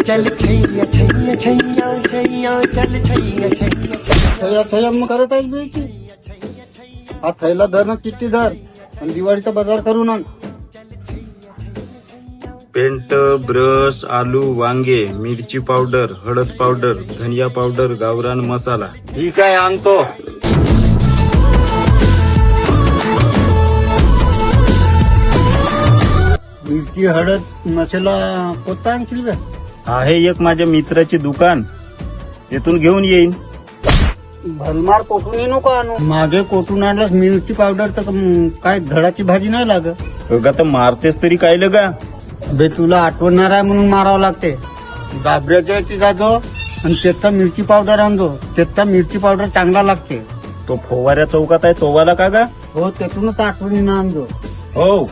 चल छैया छैया छैया छैया चल छैया छैया थैया थैया मग करत आहेस बेची हा थैला धर ना किती धर आणि दिवाळीचा बाजार करू ना. पेंट, ब्रश, आलू, वांगे, मिरची पावडर, हळद पावडर, धनिया पावडर, गावरान मसाला. ठीक आहे, आणतो. मिरची हळद मसाला कोणता आणशील का? आहे एक माझ्या मित्राची दुकान, तिथून घेऊन येईन. भलमार कोठून नको आणू. मागे कोठून आणलास मिरची पावडर तर काय धडाची भाजी नाही लागत. बघा तर मारतेस तरी काय लगा. बे तुला आठवणार आहे म्हणून मारावं लागते. डाबऱ्याच्या याची जाजो आणि त्याचा मिरची पावडर आणतो. त्याचा मिरची पावडर चांगला लागते. तो फोवाऱ्या चौकात आहे तो वाला का गा? हो त्यातूनच आठवणीनं आणतो. हो.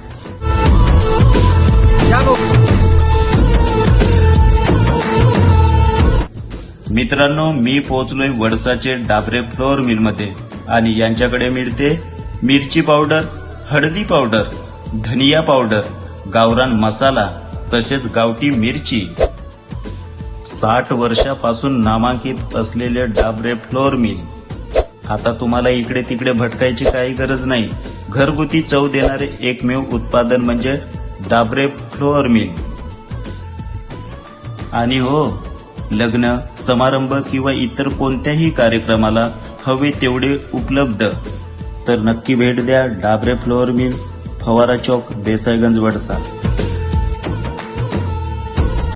मित्रांनो, मी पोहोचलोय वडसाचे डाबरे फ्लोअर मिल मध्ये आणि यांच्याकडे मिळते मिरची पावडर, हळदी पावडर, धनिया पावडर, गावरान मसाला तसेच गावठी मिरची. 60 वर्षापासून नामांकित असलेले डाबरे फ्लोअर मिल. आता तुम्हाला इकडे तिकडे भटकायची काही गरज नाही. घरगुती चव देणारे एकमेव उत्पादन म्हणजे डाबरे फ्लोअर मिल. आणि हो, लग्न समारंभ किंवा इतर कोणत्याही कार्यक्रमाला हवे तेवढे उपलब्ध. तर नक्की भेट द्या डाबरे फ्लोअर मिल, फवारा चौक, देसाईगंज, वडसा.